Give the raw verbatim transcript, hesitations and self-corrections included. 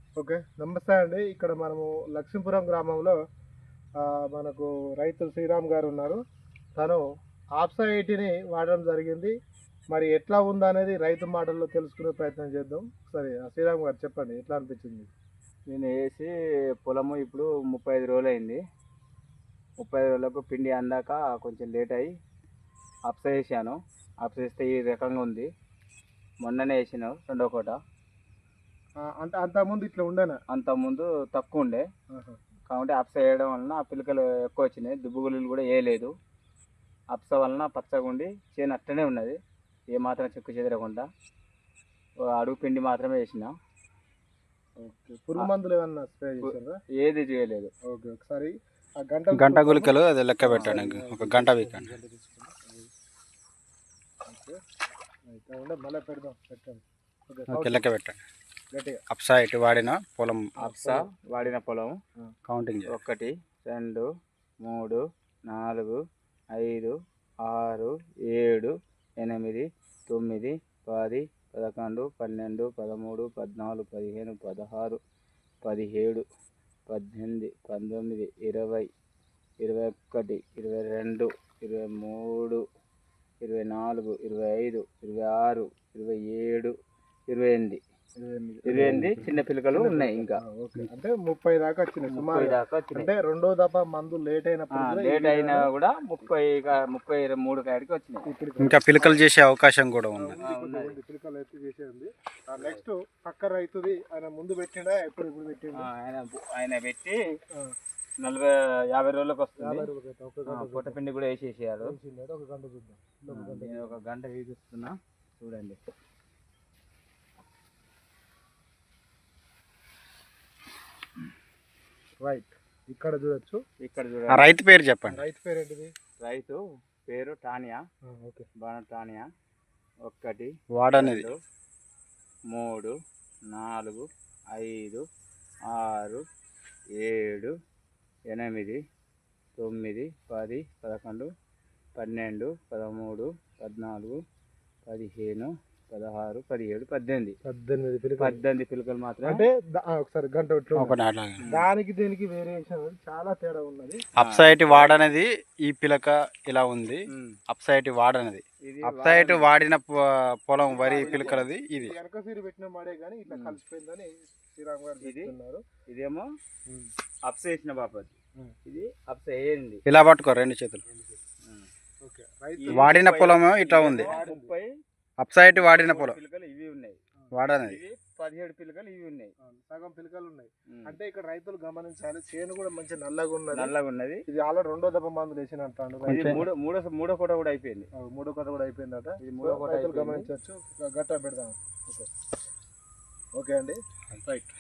Okay, నమస్తే అండి. ఇక్కడ మనము లక్ష్మీపురం గ్రామంలో ఆ, మనకు రైతు శ్రీరామ్ గారు ఉన్నారు. తను ఆప్సైటీని వాడడం జరిగింది. మరి ఎట్లా ఉందనేది రైతు మాటల్లో తెలుసుకునే ప్రయత్నం చేద్దాం. సరే, ఆ శ్రీరామ్ గారు చెప్పండి, ఎట్లా అనిపించింది? నేను వేసి పొలము ఇప్పుడు ముప్పై ఐదు రోజులు అయింది. ముప్పై ఐదు రోజులకు పిండి అందాక కొంచెం లేట్ అయ్యి అప్స వేసాను. అప్స వేస్తే ఈ రకంగా ఉంది. మొన్ననే వేసినావు రెండో కోట. ఆ, అంటే అంతకుముందు ఇట్లా ఉండేనా? అంతకుముందు తక్కువ ఉండే, ఆహా. కాబట్టి అప్స వేయడం వలన ఆ పిలకలు ఎక్కువ వచ్చినాయి. దుబ్బుగులు కూడా వేయలేదు. అప్స వలన పచ్చగా ఉండి చేను అట్టనే ఉన్నది, ఏమాత్రం చెక్కు చెదరకుండా. ఓ అడుగు పిండి మాత్రమే వేసిన, ఓకే, పురుగు మందులు ఏమన్నా స్ప్రే చేశారా? ఏది చేయలేదు. ఓకే, ఒకసారి ఆ గంట గంట గులికలు అది లెక్క పెట్టండి, ఒక గంట వీకండి. ఓకే, అయితే ఉండే మళ్ళీ పెడదాం, పెట్టండి. ఓకే, ఓకే, లెక్క పెట్టండి. గట్టిగా అప్సా ఇటు వాడిన పొలం అప్స వాడిన పొలం కౌంటింగ్ చేయాలి. ఒకటి, రెండు, మూడు, నాలుగు, ఐదు, ఆరు, ఏడు, ఎనిమిది, తొమ్మిది, పది, పదకొండు, పన్నెండు, పదమూడు, పద్నాలుగు, పదిహేను, పదహారు, పదిహేడు, పద్దెనిమిది, పంతొమ్మిది, ఇరవై, ఇరవై ఒకటి, ఇరవై రెండు, ఇరవై మూడు, ఇరవై నాలుగు, ఇరవై ఐదు, ఇరవై ఆరు, ఇరవై ఏడు, ఇరవై ఎనిమిది ఇరవై ఎనిమిది చిన్న పిల్లకలు ఉన్నాయి ఇంకా. ఓకే, అంటే ముప్పై దాకా వచ్చినాయి ముప్పై సుమారు. దాకా వచ్చినాయి. అంటే రెండో దఫా మందు లేట్ అయినప్పుడు కూడా లేట్ ఈ అయినా కూడా ముప్పై కా- ముప్పై ఇరవై మూడు కాడికి వచ్చినాయి. ఇప్పుడు ఇంకా పిలకలు చేసే అవకాశం కూడా ఉంది. ఉంది, కొంచెం ఉంది, పిలకలు అయితే చేసేది. నెక్స్ట్ పక్క రైతుది ఆయన ముందు పెట్టిండా, ఎప్పుడు ఇప్పుడు పెట్టిండా? ఆ, ఆయన ఆయన పెట్టి ఆ, నలభై యాభై రోజులకు వస్తుంది. యాభై రూపాయలు పెట్టా, ఒక గంట పొట్ట పిండి కూడా వేసేసారు. చూద్దాం. ఒక గంట చూద్దాం. ఒక గంట నేను ఒక గంట వేసిస్తున్నా, చూడండి. రైట్, ఇక్కడ చూడొచ్చు. ఇక్కడ ఆ చూడండి. రైతు పేరు చెప్పండి. రైతు పేరు ఏంటిది? రైతు పేరు టానియా, ఆ, ఓకే, బాణ టానియా. ఒకటి, వాడనేది రెండు, మూడు, నాలుగు, ఐదు, ఆరు, ఏడు, ఎనిమిది, తొమ్మిది, పది, పదకొండు, పన్నెండు, పదమూడు, పద్నాలుగు, పదిహేను, పదహారు, పదిహేడు, పద్దెనిమిది పద్దెనిమిది పిలకలు. పద్దెనిమిది పిలకలు మాత్రం. అంటే ద- ఆ, ఒకసారి గంట పెట్టి ఒకటి అట్లాగే. దానికి దీనికి వేరియేషన్ చాలా తేడా ఉన్నది. అప్సైట్ వాడనేది ఈ పిలక ఇలా ఉంది. ఉమ్. అప్సైట్ వాడనది. ఇది అప్సైట్ వాడిన పొ- పొలం వరి పిలకలది ఇది. వెనక సీరు పెట్టిన మాడే కానీ ఇట్లా కలిసిపోయిందని శ్రీరామ్ గారు ఇది? చెప్తున్నారు. ఇదేమో అప్స వేసిన బాపతి, ఉమ్. ఇది అప్స వేయండి. ఇలా పట్టుకో రెండు చేతులు. ఓకే, రైతు వాడిన పొలము ఇట్లా ఉంది. ముప్పై అప్సైట్ వాడిన పొలం పిలకలు ఇవి ఉన్నాయి. వాడనది. ఇవి పదిహేడు పిలకలు ఇవి ఉన్నాయి. అవును, సగం పిలకలు ఉన్నాయి. ఉమ్. అంటే ఇక్కడ రైతులు గమనించాలి, చేను కూడా మంచి నల్లగా ఉన్నది. నల్లగా ఉన్నది. ఇది ఆల్రెడీ రెండో దెబ్బ మందులు వేసిన అంటాడు. ఇది మూడో మూడో మూడో కోట కూడా అయిపోయింది. మూడో కథ కూడా అయిపోయిందట. ఇది మూడో కోట రైతులు అయిపోయింది. గమనించవచ్చు. గట్ట పెడదాం. ఓకే, ఓకే అండి, రైట్.